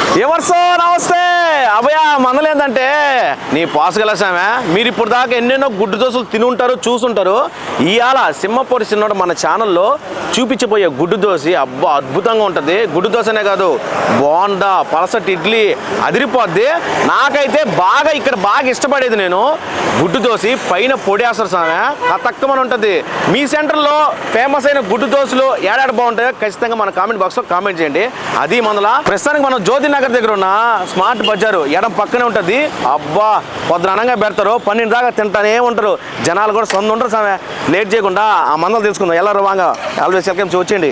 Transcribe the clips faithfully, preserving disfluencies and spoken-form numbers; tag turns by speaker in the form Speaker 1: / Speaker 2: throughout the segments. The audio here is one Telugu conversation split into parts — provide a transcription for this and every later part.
Speaker 1: ఎవర్సో నమస్తే అభయ మనలేదంటే నీ పాసుగలసామే మీరు ఇప్పుడు దాకా ఎన్నెన్నో గుడ్డు దోశలు తిని ఉంటారు చూసుంటారు. ఇవాళ సింహపూరి సిన్నోడు మన ఛానల్లో చూపించబోయే గుడ్డు దోశ అబ్బా అద్భుతంగా ఉంటుంది. గుడ్డు దోశనే కాదు బోండా పలసటి ఇడ్లీ అదిరిపోద్ది. నాకైతే బాగా ఇక్కడ బాగా ఇష్టపడేది నేను గుడ్డు దోశ పైన పొడేస్తారు సామె తక్కువని ఉంటుంది. మీ సెంటర్లో ఫేమస్ అయిన గుడ్డు దోశలు ఏడాడు బాగుంటాయో ఖచ్చితంగా మన కామెంట్ బాక్స్లో కామెంట్ చేయండి. అది మనలా ప్రస్తుతానికి మనం జ్యోతి నగర్ దగ్గర ఉన్న స్మార్ట్ బజారు ఎడం పక్కనే ఉంటుంది. అబ్బా పొద్దునంగా పెడతారు పన్నెండు దాకా తింటానే ఉంటారు. జనాలు కూడా సొంత ఉంటారు సామె. లేట్ చేయకుండా ఆ మందలు తీసుకుందాం. ఎలా వాంగా ఆల్వేస్ వెల్కమ్ వచ్చేయండి.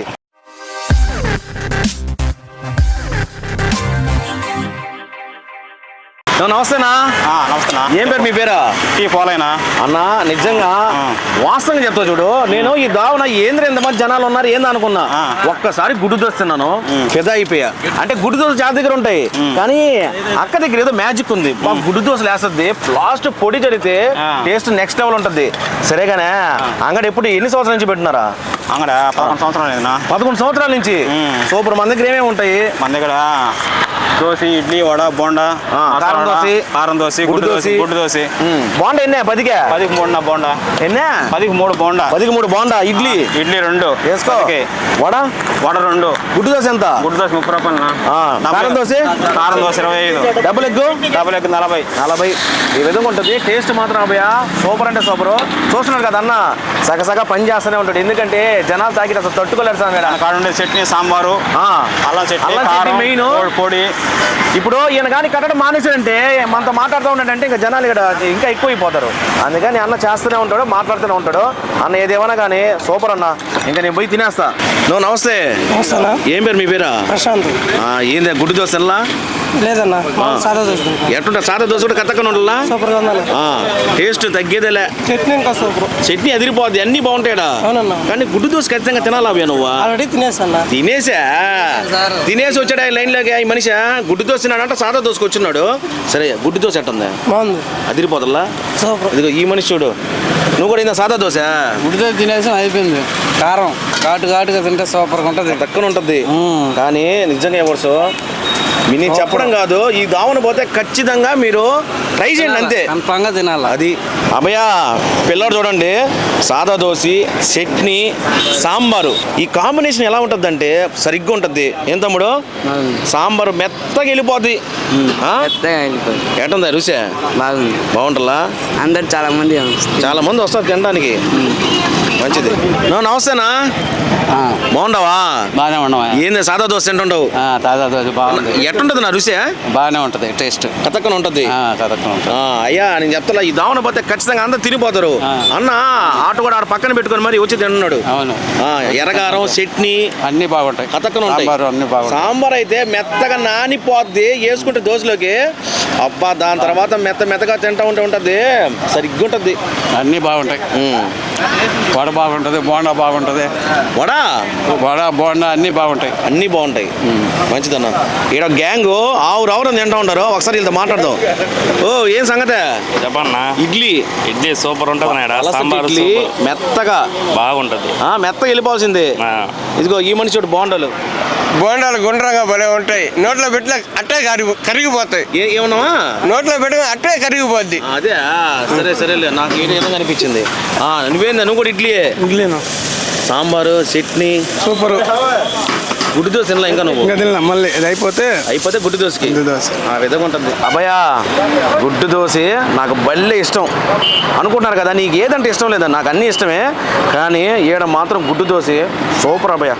Speaker 1: నమస్తేనా.
Speaker 2: నమస్తేనా.
Speaker 1: ఏం పేరు మీ పేరా?
Speaker 2: టీ పోలేనా
Speaker 1: అన్నా నిజంగా వాస్తవంగా చెప్తా చూడు. నేను ఈ దావన ఏంద్ర ఎంతమంది జనాలు ఉన్నారు ఏంది అనుకున్నా. ఒక్కసారి గుడ్డు దోశ తిన్నాను పెద్ద అయిపోయా. అంటే గుడ్డు దోశ చాలా దగ్గర ఉంటాయి కానీ అక్క దగ్గర ఏదో మ్యాజిక్ ఉంది. గుడ్డు దోశలు వేస్తుంది లాస్ట్ పొడి జరిగితే టేస్ట్ నెక్స్ట్ లెవెల్ ఉంటుంది. సరేగానే అంగడి ఎప్పుడు ఎన్ని సంవత్సరాల నుంచి పెట్టినారా?
Speaker 2: అంగడ పదకొండు సంవత్సరాలు
Speaker 1: పదకొండు సంవత్సరాల నుంచి. సూపర్. మన దగ్గర ఏమేమి ఉంటాయి? మన దగ్గర
Speaker 2: దోశ ఇడ్లీ వడ బోండా
Speaker 1: కారం దోశ
Speaker 2: కారం దోశ గుడ్డు దోశ గుడ్డు దోశ
Speaker 1: బోండా ఎన్నే పదికే
Speaker 2: పదికి మూడు బోండా
Speaker 1: ఎన్నే
Speaker 2: పదికి మూడు బోండా
Speaker 1: పదికి మూడు బోండా ఇడ్లీ
Speaker 2: ఇడ్లీ రెండు
Speaker 1: వేసుకో. వడ
Speaker 2: వడ రెండు
Speaker 1: గుడ్డు దోశ ఎంత?
Speaker 2: గుడ్డు దోశ ముప్పై రూపాయలు.
Speaker 1: కారం దోశ
Speaker 2: కారం దోశ ఇరవై ఐదు.
Speaker 1: డబుల్ ఎగ్
Speaker 2: డబుల్ ఎగ్ నలభై
Speaker 1: నలభై ఈ విధంగా ఉంటుంది. టేస్ట్ మాత్రం అభయ సూపర్ అంటే సూపర్. చూస్తున్నారు కదా అన్న సగసగా పని చేస్తూనే ఉంటాడు. ఎందుకంటే జనాలు తాకి అసలు తట్టుకోలేరు సార్.
Speaker 2: కాడ ఉండే చట్నీ సాంబారు అల్లం చట్నీ మెయిన్ పొడి.
Speaker 1: ఇప్పుడు ఈయన కానీ కట్టడం మానేసాడంటే మనతో మాట్లాడుతూ ఉన్నాడంటే ఇంకా జనాలు ఇక్కడ ఇంకా ఎక్కువైపోతారు. అందుకని అన్న చేస్తూనే ఉంటాడు మాట్లాడుతూనే ఉంటాడు. అన్న ఏదేమన్నా కానీ సూపర్ అన్న. ఇంకా నేను పోయి తినేస్తా. నువ్వు నమస్తే. ఏం పేరు మీ పేరా?
Speaker 3: ప్రశాంత్.
Speaker 1: ఏంది గుడ్డు దోశ
Speaker 3: లేదన్నా సాదా దోశ.
Speaker 1: ఎట్టుంటా సాదా దోశ కూడా కత్తకుండా ఉండాలా?
Speaker 3: సూపర్ గా ఉండాలి.
Speaker 1: టేస్ట్ తగ్గేదేలే.
Speaker 3: చట్నీ ఇంకా సూపర్.
Speaker 1: చట్నీ అదిరిపోద్ది అన్ని బాగుంటాయడా. కానీ గుడ్డు దోశ ఖచ్చితంగా తినాలా నువ్వు?
Speaker 3: ఆల్రెడీ తినేసా.
Speaker 1: తినేసా తినేసి వచ్చాడా లైన్ లోకి ఈ మనిషి? గుడ్డు దోశ తిన్నాడంట సాదా దోశకు వచ్చినాడు. సరే గుడ్డు దోశ ఎట్టుంది?
Speaker 3: బాగుంది
Speaker 1: అదిరిపోతల్లా.
Speaker 3: సూపర్.
Speaker 1: ఇదిగో ఈ మనిషి చూడు. నువ్వు కూడా ఇందా సాదా దోశ?
Speaker 3: గుడ్డు దోశ తినేసి అయిపోయింది. కారం ఘాటు ఘాటుగా తింటే సూపర్ గా ఉంటుంది.
Speaker 1: తక్కువ ఉంటుంది కానీ నిజంగా ఎవరు మీరు చెప్పడం కాదు. ఈ దావన పోతే ఖచ్చితంగా మీరు ట్రై చేయండి అంతే.
Speaker 3: కన్ఫామ్గా తినాలి.
Speaker 1: అది అభయ పిల్లడు చూడండి సాదా దోశ చట్నీ సాంబారు ఈ కాంబినేషన్ ఎలా ఉంటుంది అంటే సరిగ్గా ఉంటుంది. ఏం తమ్ముడు? సాంబారు మెత్తగా వెళ్ళిపోద్ది. ఎట్టుందా రుచి?
Speaker 3: బాగుంది.
Speaker 1: బాగుంటుందా?
Speaker 3: అందరు చాలా మంది
Speaker 1: చాలా మంది వస్తారు తినడానికి. మంచిది. నువ్వు నమస్తేనా. బాగుండవా?
Speaker 3: బాగానే ఉండవా?
Speaker 1: ఏంది సాదా దోశ తింటుండవు?
Speaker 3: తాజా దోశ బాగుంది.
Speaker 1: ఎట్టుంటది నా రుచి?
Speaker 3: బాగానే ఉంటది టేస్ట్.
Speaker 1: కతక్కన ఉంటది. అయ్యా నేను చెప్తా ఈ దావన పోతే ఖచ్చితంగా అందరు తినిపోతారు. అన్న ఆటో కూడా ఆడ పక్కన పెట్టుకొని మరి వచ్చి తింటున్నాడు. ఎర్రగారం చట్నీ
Speaker 3: అన్ని బాగుంటాయి.
Speaker 1: కతక్కన ఉంటాయి. సాంబార్ అయితే మెత్తగా నానిపోద్ది వేసుకుంటే దోశలోకి. అబ్బా దాని తర్వాత మెత్త మెత్తగా తింటా ఉంటే ఉంటది సరిగ్గా ఉంటది.
Speaker 3: అన్ని బాగుంటాయి. వడ బాగుంటది బోండా బాగుంటది.
Speaker 1: వడ
Speaker 3: వడ బోండా అన్ని బాగుంటాయి.
Speaker 1: అన్ని బాగుంటాయి. మంచిదన్న. ఈడ గ్యాంగ్ ఆవురు ఆవురు తింటా ఉంటారు. ఒకసారి వీళ్ళతో మాట్లాడదాం. ఓ ఏం సంగతే
Speaker 2: చెప్పన్నా?
Speaker 1: ఇడ్లీ
Speaker 2: ఇడ్లీ సూపర్ ఉంటుంది.
Speaker 1: ఇడ్లీ మెత్తగా
Speaker 2: బాగుంటది.
Speaker 1: మెత్తగా వెళ్ళిపోవాల్సింది. ఇదిగో ఈ మనిషి చూడు బోండాలు
Speaker 3: బోండాలు గుండ్రంగా భలే ఉంటాయి. నోట్లో పెట్టిన అట్టే కరిగి కరిగిపోతాయి.
Speaker 1: ఏమన్నావా?
Speaker 3: నోట్లో పెట్టుకుని అట్టే కరిగిపోద్ది.
Speaker 1: అదే సరే సరేలే. నాకు ఏ విధంగా అనిపించింది. నువ్వేందా నువ్వు కూడా ఇడ్లీ?
Speaker 3: ఇడ్లీనా
Speaker 1: సాంబారు చట్నీ
Speaker 3: సూపర్.
Speaker 1: గుడ్డు దోశ తినలా ఇంకా? నువ్వు
Speaker 3: తినలా మళ్ళీ ఇది అయిపోతే
Speaker 1: అయిపోతే గుడ్డు దోశకి
Speaker 3: గుడ్డు దోశ
Speaker 1: ఆ విధంగా ఉంటుంది. అభయ గుడ్డు దోశ నాకు భలే ఇష్టం. అనుకుంటున్నారు కదా నీకు ఏదంటే ఇష్టం లేదా? నాకు అన్నీ ఇష్టమే కానీ ఈడ మాత్రం గుడ్డు దోశ సూపర్ అభయ.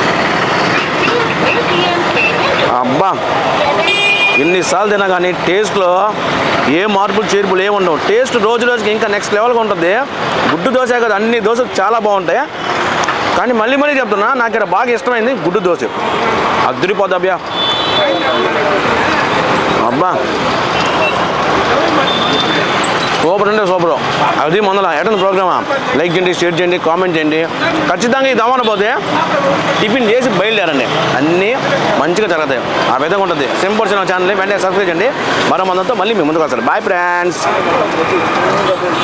Speaker 1: అబ్బా ఎన్నిసార్లు తినా కానీ టేస్ట్లో ఏ మార్పులు చేర్పులు ఏమి ఉండవు. టేస్ట్ రోజు రోజుకి ఇంకా నెక్స్ట్ లెవెల్గా ఉంటుంది. గుడ్డు దోశ కదా అన్ని దోశలు చాలా బాగుంటాయి కానీ మళ్ళీ మళ్ళీ చెప్తున్నా నాకు ఇక్కడ బాగా ఇష్టమైంది గుడ్డు దోశ. అదిరిపోద్ది అబ్బా. అబ్బా సూపర్ అంటే సూపర్. అది మొదల ఎటన్ ప్రోగ్రామా లైక్ చేయండి షేర్ చేయండి కామెంట్ చేయండి. ఖచ్చితంగా ఈ దవాన పోతే టిఫిన్ చేసి బయలుదేరండి అన్నీ మంచిగా జరుగుతాయి. ఆ విధంగా ఉంటుంది. సింపుల్ సినిమా ఛానల్ని వెంటనే సబ్స్క్రైబ్ చేయండి. మరో మందంతో మళ్ళీ మీ ముందుకు వస్తారు. Bye friends.